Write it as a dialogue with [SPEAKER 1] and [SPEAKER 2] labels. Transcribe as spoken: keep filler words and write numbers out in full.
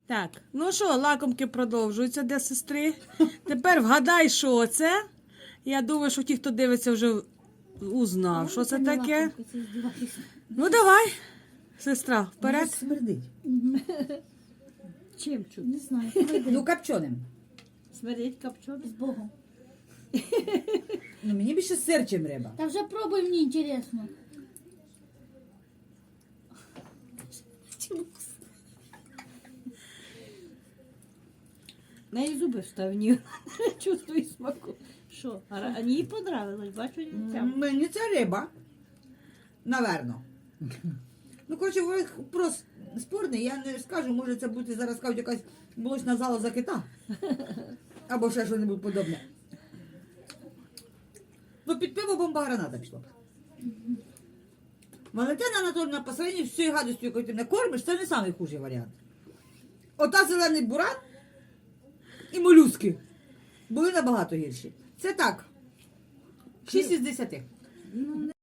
[SPEAKER 1] Так, ну що, лакомки продовжуються для сестри. Тепер вгадай, що це. Я думаю, що ті, хто дивиться, вже узнав, що це таке. Ну давай, сестра, вперед.
[SPEAKER 2] Смердить.
[SPEAKER 3] Чим чути?
[SPEAKER 4] Не знаю.
[SPEAKER 2] Ну, копченим.
[SPEAKER 3] Смердить копчений.
[SPEAKER 4] З Богом.
[SPEAKER 2] Ну, мені більше сир, чим риба.
[SPEAKER 4] Та вже пробуй, мені інтересно.
[SPEAKER 3] На її зуби вставні. Чувствую смаку. Що? А ра- а їй понравилось, бачу, цям.
[SPEAKER 2] Мені це риба. Наверно. Ну, коротше, вопрос спорний, я не скажу, може це буде зараз кажуть якась молочна зала за кита. Або ще щось подобне. Ну, під пиво бомба граната пішла. Валентина Анатольовна, по сравнению з цією гадостю, якою ти мене кормиш, це не найхужий варіант. Ота зелений буран і молюски були набагато гірші. Це так. шість із десяти.